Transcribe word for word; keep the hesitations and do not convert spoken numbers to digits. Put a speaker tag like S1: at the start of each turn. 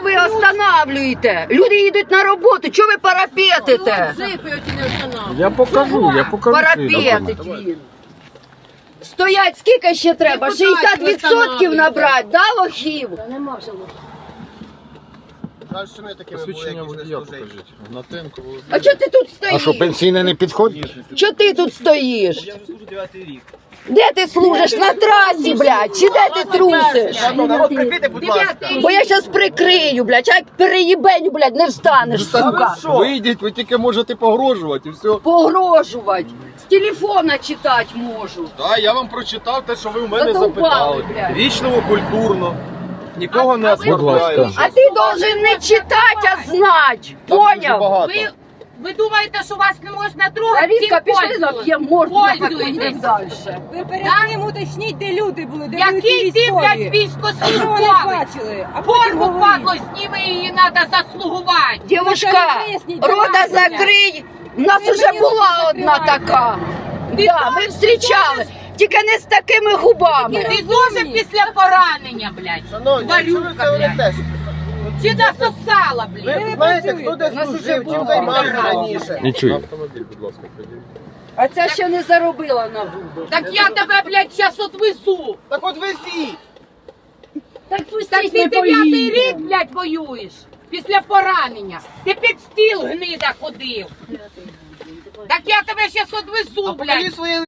S1: Чого ви останавлюєте? Люди їдуть на роботу, чого ви парапетите?
S2: Я покажу, я покажу.
S1: Парапетить він. Стоять скільки ще треба? шістдесят відсотків набрати, да, лохів?
S2: Посвідчення водія покажіть. Гнатенко Володимир.
S1: А чого ти тут
S3: А що,
S1: стоїш?
S3: пенсійне не підходить?
S1: Чого ти тут стоїш?
S4: Я вже служу дев'ятий рік.
S1: Де ти служиш? На трасі, блядь? Чи де ти трусиш?
S4: Народ, прикрийте, будь ласка.
S1: Бо я щас прикрию, блядь, а як переїбеню, блядь, не встанеш, сука.
S2: Вийдіть, ви тільки можете погрожувати і все.
S1: Погрожувати. З телефона читати можу.
S2: Так, я вам прочитав те, що ви у мене
S1: Задовбали,
S2: запитали.
S1: блядь.
S2: Вічливо, культурно. Нікого не оскорбляю.
S1: А ти должен не читати, а знати. Поняв?
S2: Багато.
S5: Ви, ви думаєте, що вас не можна трогати?
S1: Аріска,
S5: Цим
S1: пішли
S5: пользуйтесь.
S1: зап'ємо морду,
S5: Пользуйтесь.
S1: поїдемо далі.
S6: Ви перед тим уточніть, де люди були, де були
S5: Який
S6: ті
S5: ти, блядь,
S6: військові. Що вони
S5: військовослужбовець?
S6: бачили? А потім
S5: Форму
S6: говоріть.
S5: падло, зніми її, треба заслугувати.
S1: Дівушка, рота закрий. У нас уже була одна така. Да, ми зустрічали. Тільки не з такими губами.
S5: Ти дуже після поранення, блядь.
S4: Шановні, що ви
S5: Валюка,
S4: це
S5: блядь.
S4: говорите?
S5: Чи насосала, блядь?
S4: Ви знаєте, хто де служив, чим займався раніше?
S3: Не чую.
S2: Автомобіль, будь ласка, приділіть.
S1: А ця ще не заробила на губи.
S5: Так я тебе, блядь, зараз отвису.
S4: Так от везіть!
S1: Так
S5: Так
S1: пустіть,
S5: ти
S1: ми
S5: дев'ятий рік,
S1: поїдемо.
S5: блядь, воюєш. Після поранення. Ти під стіл гнида ходив. Так я тебе зараз одвезу,
S4: А покажіть
S5: блядь.
S4: своє